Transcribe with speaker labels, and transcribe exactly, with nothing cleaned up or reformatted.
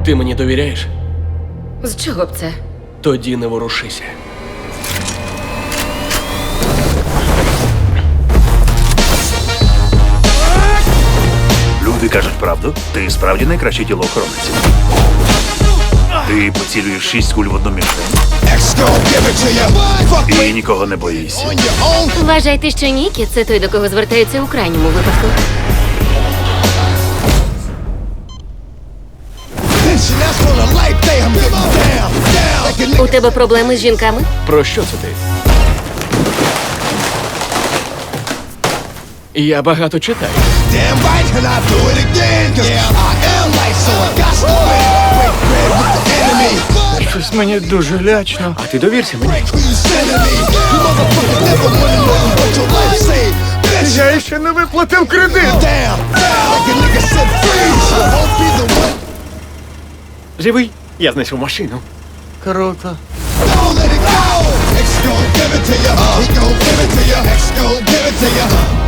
Speaker 1: Ти мені довіряєш?
Speaker 2: З чого б це?
Speaker 1: Тоді не ворушися.
Speaker 3: Люди кажуть правду. Ти справді найкращий тілоохоронець. Ти поцілюєш шість куль в одну мішень. І нікого не боїшся.
Speaker 2: Вважайте, що Нікі – це той, до кого звертаються у крайньому випадку. У тебе проблеми з жінками?
Speaker 1: Про що це ти? Я багато читаю.
Speaker 4: Щось мені дуже лячно.
Speaker 1: А ти довірся мені.
Speaker 4: Я ще не виплатив кредит.
Speaker 1: Живий? Я знайшов машину.
Speaker 4: Круто.
Speaker 5: Don't let it go. X gon' give it to ya. He gon' give it to ya. X gon' give it to ya.